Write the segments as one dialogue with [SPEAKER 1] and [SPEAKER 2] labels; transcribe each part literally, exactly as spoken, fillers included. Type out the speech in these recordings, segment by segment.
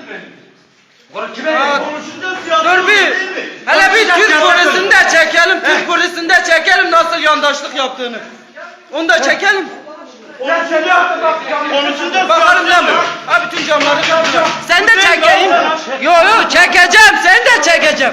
[SPEAKER 1] Dur bir. Hele bir Türk polisini de çekelim. Türk polisini de çekelim nasıl yandaşlık yaptığını. Onu da çekelim. Bakalım ne mi? Ha bütün camları kıracağım. Sen de çekeyim. Yo yo çekeceğim. Sen de çekeceğim.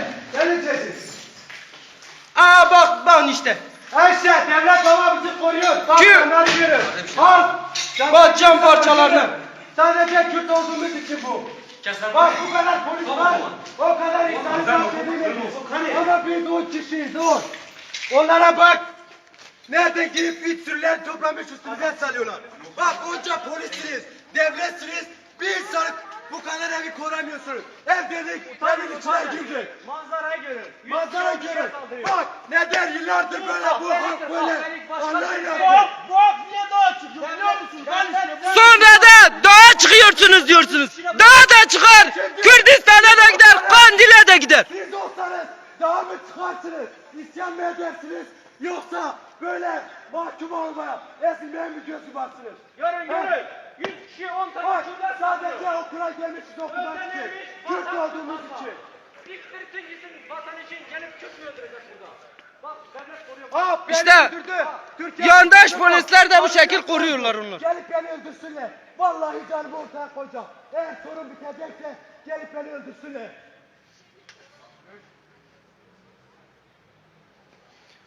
[SPEAKER 1] Aa bak bak işte.
[SPEAKER 2] Ayşe devlet baba bizi koruyor. Bak
[SPEAKER 1] Kim?
[SPEAKER 2] onları görün. Bak.
[SPEAKER 1] Bak cam parçalarını.
[SPEAKER 2] Sadece Kürt olduğumuz için bu. Bak bu kadar polis var. O kadar insanı takip Ama biz on kişiyiz on. Onlara bak. Nereden girip üç sürüler toplamış üstümüze salıyorlar. Bak onca polissiniz, devletsiniz. Bir insanı bu kadar evi koramıyorsunuz. Ev dedik, evin içine girdik.
[SPEAKER 3] Manzarayı görün.
[SPEAKER 2] Manzara görün. Bak neden yıllardır böyle bu halk böyle. Anlayın
[SPEAKER 3] Bu
[SPEAKER 2] artık.
[SPEAKER 3] hak, bu hak niye daha çıkıyor biliyor musun? Ben işte
[SPEAKER 1] Sonra da dağa çıkıyorsunuz diyorsunuz. Dağa da çıkar. Kürdistan'a da gider. Kandil'e de gider.
[SPEAKER 2] Siz olsanız daha mı çıkarsınız? İsyan mı edersiniz? Yoksa böyle mahkum olmaya, ezilmeye mi gözü baksınız?
[SPEAKER 3] Görün görün. Yüz kişi on tane
[SPEAKER 2] Bak
[SPEAKER 3] şurada
[SPEAKER 2] sadece okula gelmişiz okumak için.
[SPEAKER 3] Öğrenilmiş,
[SPEAKER 2] Türk
[SPEAKER 3] vatan
[SPEAKER 2] olduğumuz
[SPEAKER 3] tutmaz
[SPEAKER 2] için.
[SPEAKER 3] var. İktirsin gitsin vatan için gelip Kürt mü öldürecek burada? Bak devlet koruyor.
[SPEAKER 2] Aa, beni
[SPEAKER 1] İşte
[SPEAKER 2] öldürdü. Türkiye
[SPEAKER 1] yandaş
[SPEAKER 2] öldürdü.
[SPEAKER 1] polisler de bu
[SPEAKER 2] Bak,
[SPEAKER 1] şekil koruyorlar onlar.
[SPEAKER 2] Gelip beni öldürsünler. Vallahi canımı ortaya koyacağım. Eğer sorun bitecekse gelip beni öldürsünler.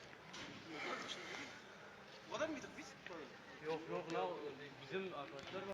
[SPEAKER 1] Yok yok la bizim arkadaşlar